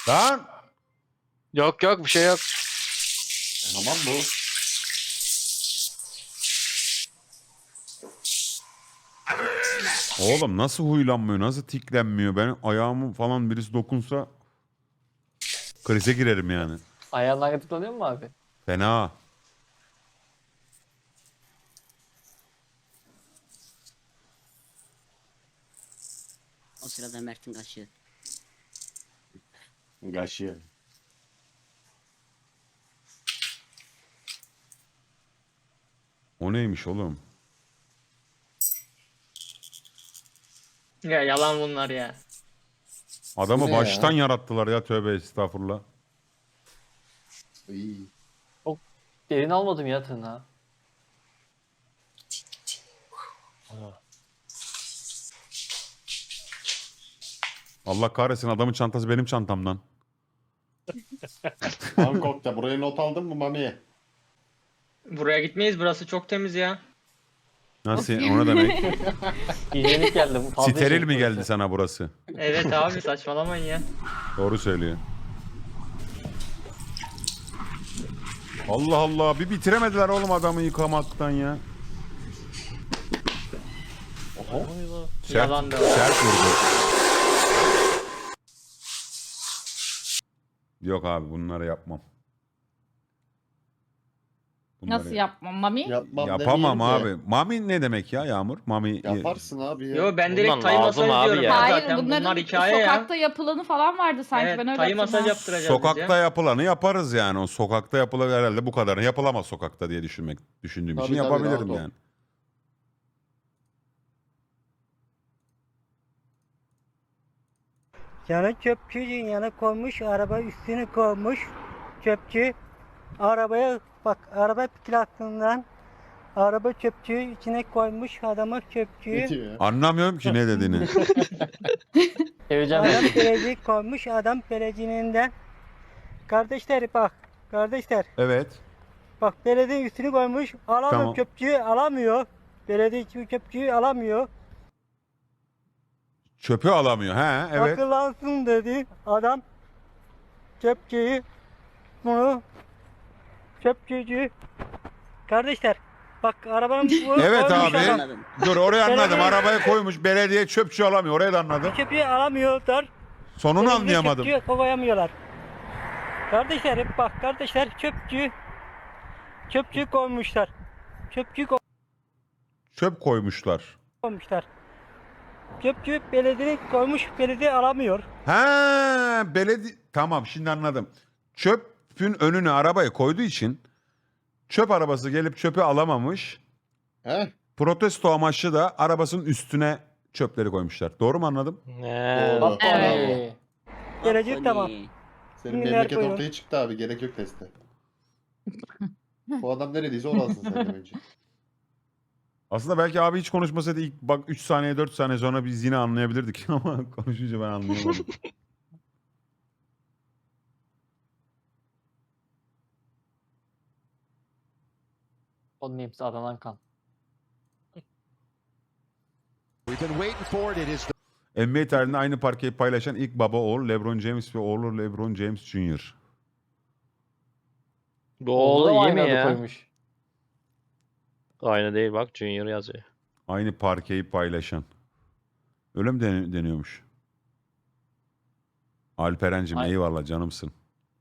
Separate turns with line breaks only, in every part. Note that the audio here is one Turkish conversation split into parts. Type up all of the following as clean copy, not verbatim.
Lan!
Yok yok bir şey yok.
Tamam bu.
Oğlum nasıl huylanmıyor, nasıl tiklenmiyor? Ben ayağımı falan birisi dokunsa krize girerim yani.
Ayağından gıdıklanıyor mu abi?
Fena.
O sırada Mert'in kaşığı.
Gaşı.
O neymiş oğlum?
Ya yalan bunlar ya.
Adamı
Bu ne ya?
baştan yarattılar ya, tövbe estağfurullah.
İyi.
Derin almadım ya tırnağı.
Allah kahretsin, adamın çantası benim çantamdan.
Bangkok'ta buraya not aldın mı Mami?
Buraya gitmeyiz, burası çok temiz ya.
Nasıl? O ne demek?
Hijyenik geldi. Fazla
Steril
hijyenik
mi geldi
burası.
sana burası?
Evet abi saçmalamayın ya.
Doğru söylüyor. Allah Allah, bir bitiremediler oğlum adamı yıkamaktan ya. Sert,
Yalan da var.
sert vurdu. Yok abi, bunları yapmam. Bunları
Nasıl yapmam Mami?
Yapmam
yapamam
demeyeyim de.
abi. Mami ne demek ya Yağmur? Mami
Yaparsın abi ya.
Yo ben
Bundan
direkt tay
lazım
masaj
abi
diyorum
ya.
ya.
Hayır,
Zaten
bunların
bunlar hikaye ya.
sokakta yapılanı falan vardı sanki,
Evet
ben öyle
tay masaj
hatırlıyorum.
yaptıracağız
sokakta
biz ya.
yapılanı yaparız yani. O sokakta yapılır herhalde, bu kadarını yapılamaz sokakta diye düşündüğüm için
Tabii, tabii,
yapabilirim
rahat ol.
yani.
Yana çöpçü yana koymuş, araba üstüne koymuş. Çöpçü arabaya bak, araba plakasından araba çöpçüyü içine koymuş, adama
Ne
çöpçüyü.
diyor ya?
Anlamıyorum ki ne dediğini.
Seveceğim
Adam
ben.
peleci koymuş, adam pelecininden. Kardeşler bak, kardeşler
Evet.
bak, belediye üstünü koymuş, alamıyor,
Tamam.
çöpçüyü alamıyor. Belediye çöpçüyü alamıyor.
Çöpü alamıyor. He, evet.
Akıllansın dedi adam. Çöpçüyü bunu çöpçücü kardeşler bak, arabanın bu
Evet
koymuş
abi.
adam.
Anladım.
Dur, oraya anladım.
Belediye-
Arabaya koymuş, belediye çöpçü alamıyor. Oraya da anladım.
Çöpçüyü alamıyorlar.
Sonunu
Belediye
anlayamadım.
Çöpçüyü koyamıyorlar. Kardeşler bak, kardeşler çöpçü koymuşlar. Çöpçü
Çöp koymuşlar.
koymuşlar. Çöpçü belediye koymuş, belediye alamıyor.
Ha, belediye, tamam, şimdi anladım. Çöpün önüne arabayı koyduğu için çöp arabası gelip çöpü alamamış.
He?
Protesto amaçlı da arabasının üstüne çöpleri koymuşlar. Doğru mu anladım?
Ne?
Doğru.
Evet.
Gelecek
Bak,
tamam.
Tony.
Senin
Ünlüler
memleket
koyun.
ortaya çıktı abi. Gerek yok teste. Bu adam neredeyse orasın sen de bence.
Aslında belki abi hiç konuşmasaydı ilk bak 3 saniye 4 saniye sonra biz yine anlayabilirdik ama konuşunca ben anlayamadım.
Onun hepsi adanan kan.
NBA tarihinde aynı parkeyi paylaşan ilk baba oğul LeBron James ve oğlu LeBron James Jr.
Bu
Oğlu da
oğlu iyi
aynı
mi
adı
ya?
koymuş.
Aynı değil bak, Junior yazıyor.
Aynı parkeyi paylaşan. Öyle mi deniyormuş? Alperen'cim
Ay-
eyvallah, canımsın.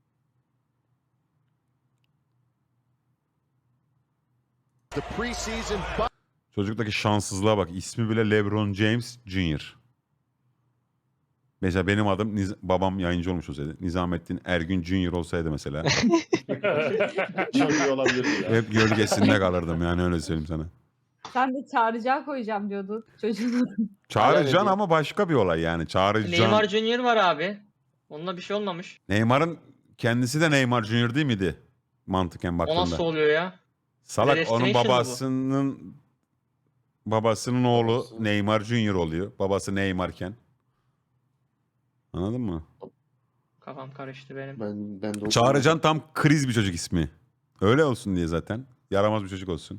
Çocuktaki şanssızlığa bak. İsmi bile LeBron James Jr. Mesela benim adım babam yayıncı olmuş olsaydı. Nizamettin Ergün Jr. olsaydı mesela.
Çok iyi olabilir ya.
Hep gölgesinde kalırdım yani, öyle söyleyeyim sana.
Sen de çağıracağı koyacağım diyordun çocuğun.
Çağrıcan
Hala
ama başka bir olay yani. Çağrıcan.
Neymar Junior var abi. Onunla bir şey olmamış.
Neymar'ın kendisi de Neymar Junior değil miydi? Mantıken
O
baktığında.
nasıl oluyor ya?
Salak, onun
Predestination mı bu?
babasının oğlu
Babası.
Neymar Junior oluyor. Babası Neymar'ken. Anladın mı?
Kafam karıştı benim.
Ben de
Çağrıcan tam kriz bir çocuk ismi. Öyle olsun diye zaten. Yaramaz bir çocuk olsun.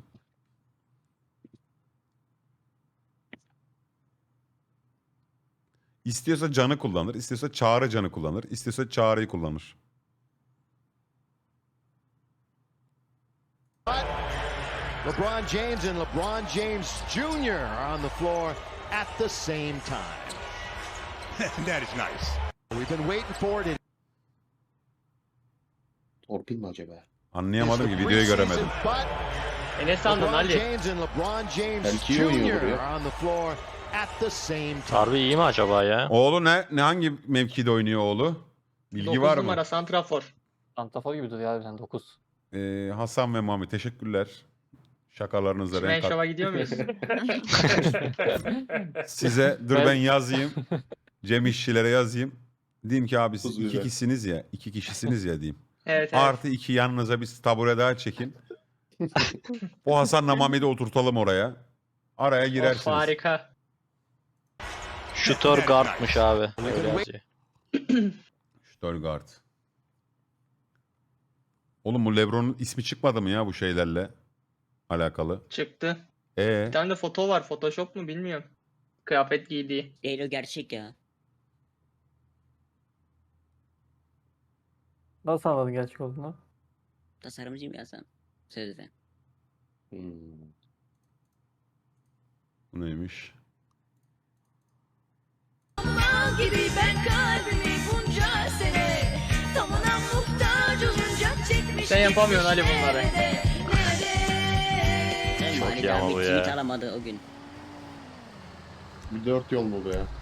İstiyorsa canı kullanır, istiyorsa Çağrı canı kullanır, istiyorsa Çağrı'yı kullanır.
LeBron James and LeBron James Jr. are on the floor at the same time. That is nice. We've been waiting for it.
Torpil mi acaba?
Anlayamadım ki videoyu göremedim.
Ne sandın
LeBron
Ali?
James and LeBron James
Belki iyi oynuyordur
Jr.
ya.
are on the floor at the same time.
Harbi iyi mi acaba ya?
Oğlu ne hangi mevkide oynuyor oğlu? Bilgi
9
var mı?
numara santrafor.
Santrafor gibi duruyor abi sen 9.
Hasan ve Mami teşekkürler. Şakalarınıza
Şimdi
renk kat.
şova gidiyor muyuz?
Size dur ben yazayım. Cem İşçilere yazayım. Diyeyim ki abi siz
Tuz
iki
biber.
kişisiniz ya. 2 kişisiniz ya diyeyim.
Evet evet.
Artı 2 yanınıza bir tabure daha çekin. O Hasan'la Mami'yi de oturtalım oraya. Araya
Of,
girersiniz.
harika.
Şutör guardmış abi. Öyle yazıyor.
Stuttgart. Oğlum bu LeBron'un ismi çıkmadı mı ya bu şeylerle alakalı?
Çıktı. Bir tane de foto var. Photoshop mu bilmiyorum. Kıyafet giydiği.
Değil o gerçek ya.
Nasıl anladın gerçek olduğunu?
Tasarımcıyım ya sen. Sözde.
Hmm.
Bu neymiş?
gibi ben kalbimi bunca sene tamına muhtaç olunca çekmiş.
Sen yapamıyorsun Ali bunları.
Çok
Mani
iyi ama
abi
bu
tweet
ya.
alamadı o gün.
Bir 4 yol mu bu ya?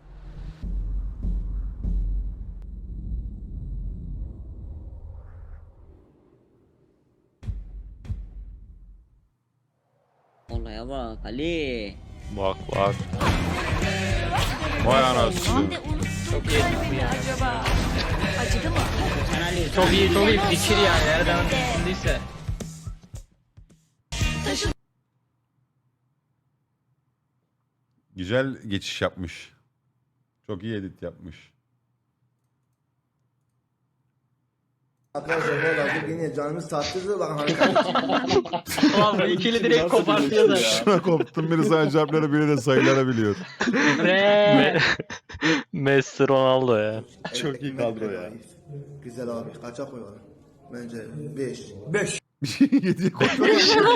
Olaya bak Ali.
Bak bak.
Vay anasını.
Çok iyi.
Acaba acıdı mı?
Sen Ali.
Çok iyi, çok iyi. Fikir yani. Nereden düşündüyse.
Güzel geçiş yapmış. Çok iyi edit yapmış.
Arkadaşlar valla bugün yine canımız tatlıydı. Bakın
Tamam bu ikili direkt kopartıyor da.
Şuna koptum biri sadece harfleri biri de sayıları biliyor.
Re.
Messi Ronaldo ya.
Çok iyi kadro ya.
Güzel abi. Kaça koyalım? Bence 5.
7'ye koymuş.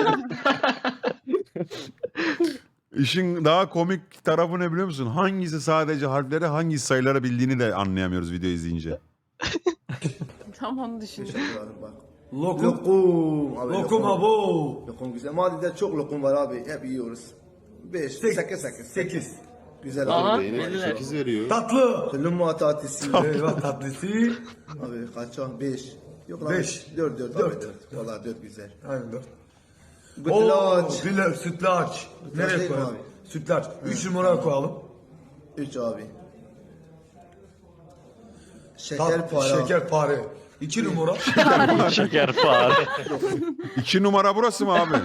İşin daha komik tarafı ne biliyor musun? Hangisi sadece harfleri hangisi sayıları bildiğini de anlayamıyoruz video izleyince.
Tam onu düşündüm.
Teşekkür ederim bak. Lokum. Abi, lokum abo. Lokum güzel. Madide çok lokum var abi. Hep yiyoruz. 5, 8. Güzel
Aha.
abi.
Beyine
Bildiler.
8 veriyor.
Lumma tatlısı.
Eyvah tatlısı.
Abi kaça? 5. Yok lan. 5. 4. 4. Valla 4 güzel.
Aynen 4.
Gütlaç.
Güller, sütlaç. Nereye
değil mi
koyalım?
abi?
Sütlaç. 3 numaraya koyalım.
3 abi. Şekerpare.
Şekerpare. 2 numara.
Şeker fare.
2 numara burası mı abi?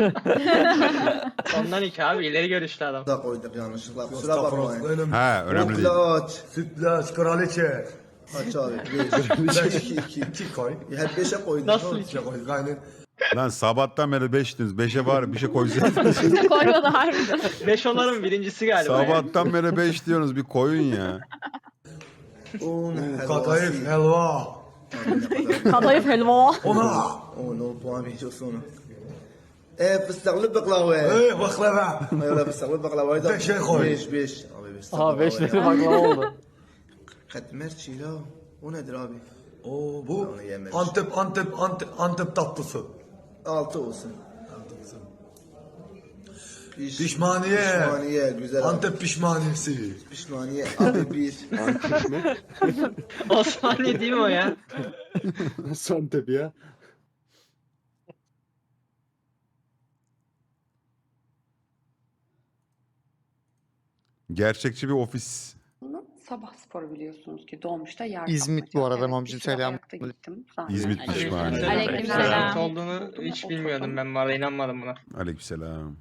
Ondan iki abi. İleri görüşlü adam.
Da koyduk yanlışlıkla. Kusura bakmayın.
Önemli.
He önemli değil.
Gütlaç.
Sütlaç, kraliçe.
Kaç abi? 5. 2.
2 koy.
Hep 5'e koyduk.
Nasıl
İçine koy. Aynen.
Lan sabahtan beri 5'tiniz. 5'e var bir şey koysaydınız.
Koymadı harbiden.
5 onların birincisi galiba. yani.
Sabahtan beri 5 diyorsunuz bir koyun ya.
Un
Kadayıf, helva.
Kadayıf helva.
Ona.
10 puan veriyorsun onu. Fıstıklı baklava.
Baklava.
Öyle fıstıklı baklavayı da
5'e koy.
5. Abi fıstıklı
Aha 5
baklava
lira
ya.
baklava oldu.
Katmer çiğla. O nedir abi?
Oo, bu
Onu yememiş.
Antep tatlısı.
6 olsun.
Pişmaniye.
Pişmaniye güzel abi.
Antep pişmaniyesi.
Pişmaniye abi 1.
Osmaniye değil mi o ya?
Santep ya.
Gerçekçi bir ofis.
Sabah sporu biliyorsunuz ki dolmuşta yer
İzmit bu arada mamcım,
Bir sürü
selam.
ayakta gittim.
İzmit
Aleyküm
pişmaniye.
selam.
Aleykümselam.
Selam olduğunu hiç bilmiyordum ben. Valla inanmadım buna.
Aleykümselam.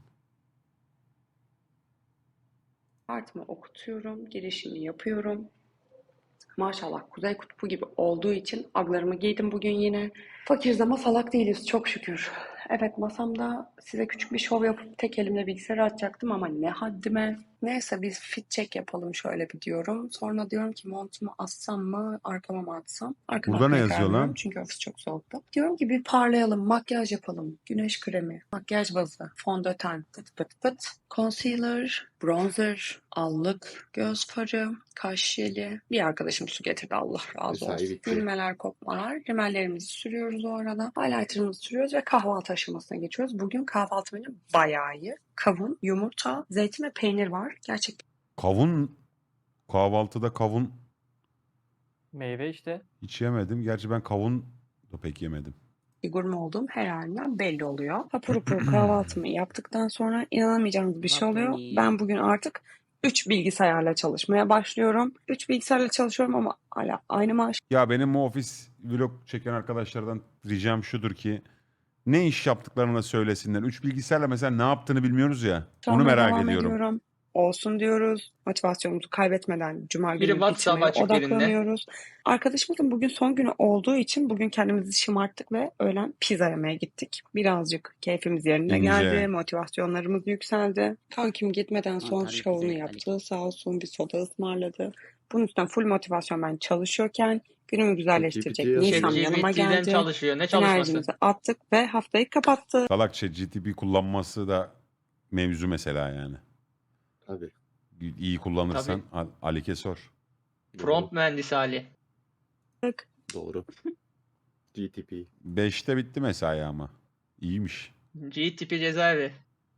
Kartımı okutuyorum, girişimi yapıyorum. Maşallah Kuzey Kutbu gibi olduğu için aglarımı giydim bugün yine. Fakiriz ama salak değiliz çok şükür. Evet, masamda size küçük bir şov yapıp tek elimle bilgisayarı açacaktım ama ne haddime. Neyse biz fit check yapalım şöyle bir diyorum. Sonra diyorum ki montumu assam mı arkama mı atsam? Arkama
Burada ne
atmaya
yazıyor
karar
lan?
veriyorum çünkü ofis çok soğuktu. Diyorum ki bir parlayalım, makyaj yapalım. Güneş kremi, makyaj bazı, fondöten, pıt pıt pıt. Concealer, bronzer, allık, göz farı, kaş jeli. Bir arkadaşım su getirdi, Allah razı
Mesai
olsun.
bitti.
Gülmeler, kopmalar. Rimellerimizi sürüyoruz o arada. Highlighter'ımızı sürüyoruz ve kahvaltı aşamasına geçiyoruz. Bugün kahvaltı menü bayağı iyi. Kavun, yumurta, zeytin ve peynir var. Gerçekten
Kavun, kahvaltıda kavun
Meyve işte.
hiç yemedim. Gerçi ben kavun da pek yemedim.
gurme olduğum her halinden belli oluyor. Hapur hapur kahvaltımı yaptıktan sonra inanamayacağınız bir şey oluyor.
Bakın.
Ben bugün artık 3 bilgisayarla çalışmaya başlıyorum. 3 bilgisayarla çalışıyorum ama hala aynı maaş
Ya benim bu ofis vlog çeken arkadaşlardan ricam şudur ki ne iş yaptıklarını da söylesinler. 3 bilgisayarla mesela ne yaptığını bilmiyoruz ya. Onu
almaya
merak
devam
ediyorum.
ediyorum. Olsun diyoruz. Motivasyonumuzu kaybetmeden cuma
Biri
günü
WhatsApp
bitirmeye
açık birinde.
odaklanıyoruz. Arkadaşımızın bugün son günü olduğu için bugün kendimizi şımarttık ve öğlen pizza yemeye gittik. Birazcık keyfimiz yerine
İnce.
geldi. Motivasyonlarımız yükseldi. Kankim gitmeden son
Mantarlı
şovunu
pizza
yaptı. Sağ olsun bir soda ısmarladı. Bunun üstünden full motivasyon ben çalışıyorken günümü güzelleştirecek
ChatGPT
Nisan
yazıyor.
yanıma
ChatGPT'den
geldi.
çalışıyor. Ne çalışması?
Enerjimizi attık ve haftayı kapattık.
Salak ChatGPT kullanması da mevzu mesela yani.
Tabii.
İyi kullanırsan Alik'e sor.
Prompt mühendisi Ali.
Doğru. GTP.
5'te bitti mesai ama. İyiymiş.
G tipi cezaevi.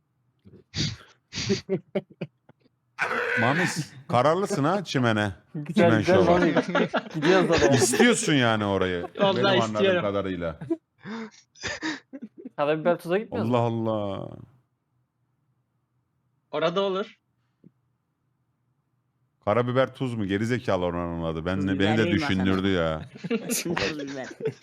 Mamis kararlısın ha çimene.
Güzel
Çimen
güzel.
şova.
Mami. Gidiyoruz da be.
İstiyorsun yani orayı.
Vallahi
Benim anladığım
istiyorum.
kadarıyla.
Karabiber tuza gitmiyoruz
Allah
mu?
Allah.
Orada olur.
Karabiber tuz mu? Gerizekalı oranın adı.
Tuz
Beni
biber
de
değil mi
düşündürdü ya.
Tuz biber.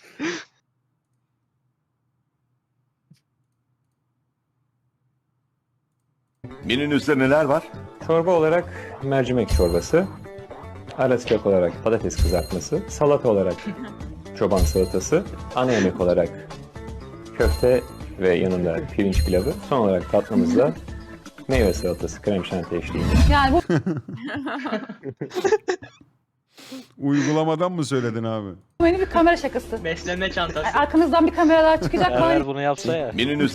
Menünüzde neler var?
Çorba olarak mercimek çorbası, ara sıcak olarak patates kızartması, salata olarak çoban salatası, ana yemek olarak köfte ve yanında pirinç pilavı, son olarak tatlımızda meyve salatası, krem şanti eşliğinde.
Yani bu
Uygulamadan mı söyledin abi?
benim bir kamera şakası.
Besleme çantası.
Arkanızdan bir kameralar çıkacak falan.
Eğer bunu yapsa ya.
Menünüz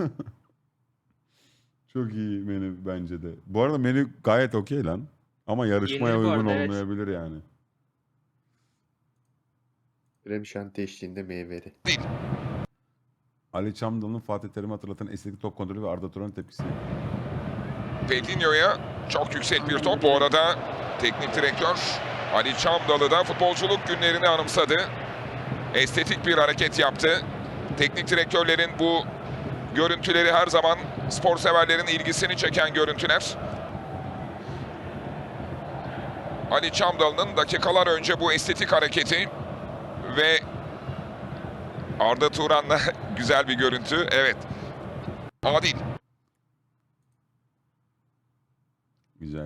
Çok iyi menü bence de. Bu arada menü gayet okey lan. Ama yarışmaya
Yenir bu
uygun
arada, evet.
olmayabilir yani.
Krem şanti eşliğinde meyveli.
Ali Çamdal'ın Fatih Terim'i hatırlatan estetik top kontrolü ve Arda Turan'ın tepkisi.
Pedrinho'ya çok yüksek bir top. Bu arada teknik direktör Ali Çamdalı da futbolculuk günlerini anımsadı. Estetik bir hareket yaptı. Teknik direktörlerin bu görüntüleri her zaman spor severlerin ilgisini çeken görüntüler. Ali Çamdalı'nın dakikalar önce bu estetik hareketi ve Arda Turan'la güzel bir görüntü. Evet. Adil.
Güzel.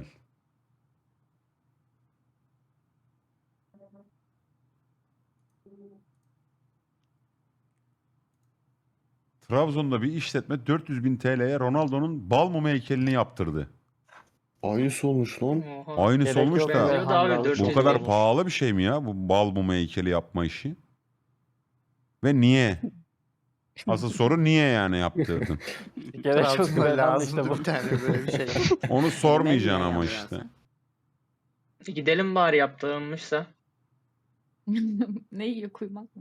Trabzon'da bir işletme 400 bin TL'ye Ronaldo'nun bal mumu heykelini yaptırdı.
Aynısı olmuş lan.
Oha.
Aynısı
Gerek
olmuş
yok
da.
be.
Benziyordu abi,
Bu
400
Bu kadar
olmuş.
pahalı bir şey mi ya bu bal mumu heykeli yapma işi? Ve niye? Asıl soru niye yani yaptırdın?
Gerek yok be lan işte bu.
Onu sormayacaksın
Ben de
ama
ya
işte.
E, gidelim bari yaptırılmışsa.
Ne iyi kuymak mı?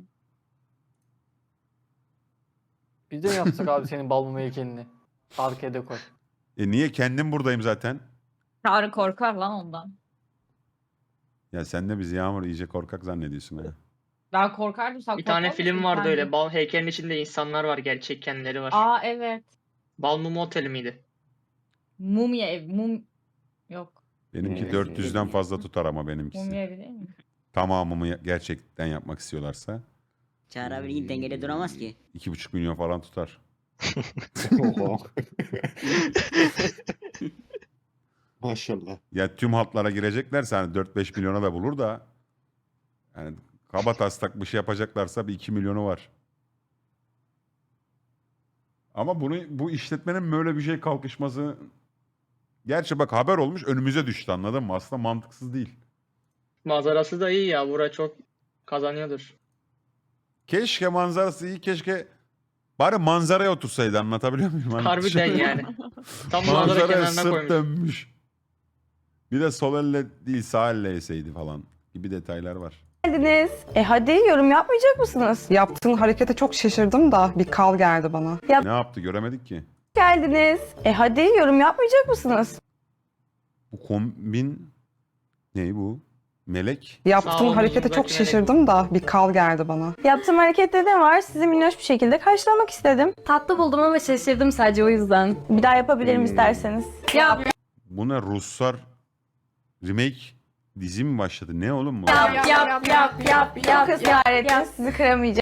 Biz de mi yapsak abi senin bal mumu heykelini? Arkaya da koy.
Niye kendim buradayım zaten?
Çağrı korkar lan ondan.
Ya sen de bizi Yağmur iyice korkak zannediyorsun ha.
Ben korkardım sen
Bir tane
korkar
film
mısın
vardı
kendin?
öyle. Bal heykelin içinde insanlar var. Gerçek kendileri var.
Aa evet.
Bal Mumu Oteli miydi?
Mumya ev. Yok.
Benimki
Evet.
400'den fazla tutar ama benimkisi.
Mumya evi değil mi?
Tamamımı gerçekten yapmak istiyorlarsa
Çağrı abi dengede duramaz ki.
2,5 milyon falan tutar.
Oha. Maşallah.
Ya tüm hatlara gireceklerse hani 4-5 milyona da bulur da yani kaba taslak bir şey yapacaklarsa bir 2 milyonu var. Ama bu işletmenin böyle bir şey kalkışması... Gerçi bak haber olmuş önümüze düştü, anladın mı? Aslında mantıksız değil.
Manzarası da iyi ya. Bura çok kazanıyordur.
Keşke manzarası iyi, keşke bari manzaraya otursaydı, anlatabiliyor muyum? Hani
Harbiden yani. Tam manzara
manzaraya
kenarına
sırt
koymuş.
dönmüş. Bir de sol elle değil sağ elle yeseydi falan gibi detaylar var.
Geldiniz. Hadi yorum yapmayacak mısınız?
Yaptığın harekete çok şaşırdım da bir kal geldi bana.
Ne yaptı göremedik ki.
Geldiniz. Hadi yorum yapmayacak mısınız?
Bu kombin ne bu? Melek.
Yaptığın
Sağ olun,
harekete çok
belki
şaşırdım da bir kal geldi bana.
Yaptığım harekette ne var? Sizi minnoş bir şekilde karşılamak istedim.
Tatlı buldum ama şaşırdım sadece o yüzden.
Bir daha yapabilirim isterseniz.
Yap
Bu ne, Ruslar remake dizi mi başladı? Ne oğlum bu?
Çok ısrar ettiniz. Sizi kıramayacağım.